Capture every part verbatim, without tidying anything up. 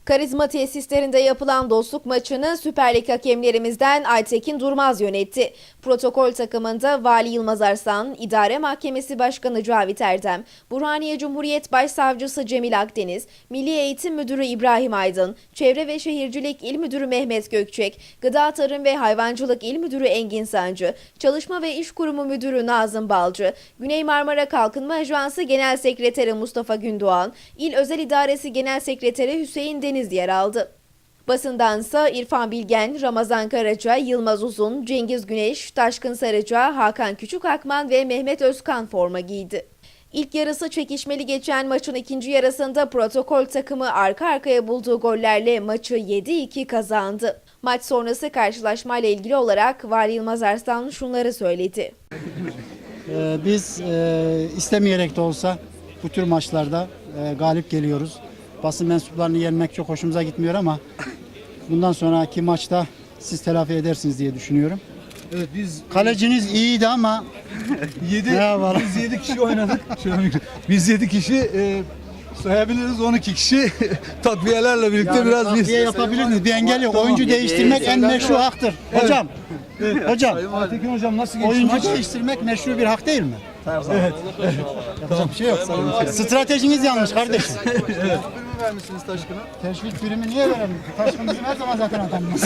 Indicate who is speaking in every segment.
Speaker 1: Karizma tesislerinde yapılan dostluk maçını Süper Lig hakemlerimizden Aytekin Durmaz yönetti. Protokol takımında Vali Yılmaz Arslan, İdare Mahkemesi Başkanı Cavit Erdem, Burhaniye Cumhuriyet Başsavcısı Cemil Akdeniz, Milli Eğitim Müdürü İbrahim Aydın, Çevre ve Şehircilik İl Müdürü Mehmet Gökçek, Gıda Tarım ve Hayvancılık İl Müdürü Engin Sancı, Çalışma ve İş Kurumu Müdürü Nazım Balcı, Güney Marmara Kalkınma Ajansı Genel Sekreteri Mustafa Gündoğan, İl Özel İdaresi Genel Sekreteri Hüseyin Deniz yer aldı. Basındansa İrfan Bilgen, Ramazan Karaca, Yılmaz Uzun, Cengiz Güneş, Taşkın Sarıca, Hakan Küçükakman ve Mehmet Özkan forma giydi. İlk yarısı çekişmeli geçen maçın ikinci yarısında protokol takımı arka arkaya bulduğu gollerle maçı yedi iki kazandı. Maç sonrası karşılaşmayla ilgili olarak Vali Yılmaz Arslan şunları söyledi.
Speaker 2: Ee, biz e, istemeyerek de olsa bu tür maçlarda e, galip geliyoruz. Basın mensuplarını yenmek çok hoşumuza gitmiyor ama bundan sonraki maçta siz telafi edersiniz diye düşünüyorum.
Speaker 3: Evet, biz
Speaker 2: Kaleciniz iyiydi ama
Speaker 3: yedi
Speaker 2: Merhabalar.
Speaker 3: biz yedi kişi oynadık. Şöyle bir- biz yedi kişi e, sayabiliriz, on iki kişi takviyelerle birlikte
Speaker 2: yani
Speaker 3: biraz biz.
Speaker 2: takviye yapabilirsiniz. Bir engel yok.
Speaker 3: Tamam.
Speaker 2: Oyuncu değiştirmek en meşru haktır. Hocam, hocam,
Speaker 3: Aytekin hocam nasıl geçti
Speaker 2: oyuncu
Speaker 3: maç?
Speaker 2: değiştirmek meşru bir hak değil mi? Evet. Yapacak bir şey yok. Stratejiniz yanlış kardeşim.
Speaker 3: Birini vermişsiniz Taşkın'a.
Speaker 2: Teşvik primi niye verelim? Taşkın bizim her zaman zaten adamımız.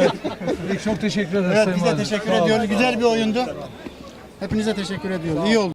Speaker 3: Peki, çok teşekkür ederiz
Speaker 2: Evet,
Speaker 3: Sayın
Speaker 2: biz de
Speaker 3: Valim.
Speaker 2: teşekkür
Speaker 3: Sağ olun.
Speaker 2: ediyoruz. Güzel bir oyundu. Hepinize teşekkür ediyoruz. İyi oldu.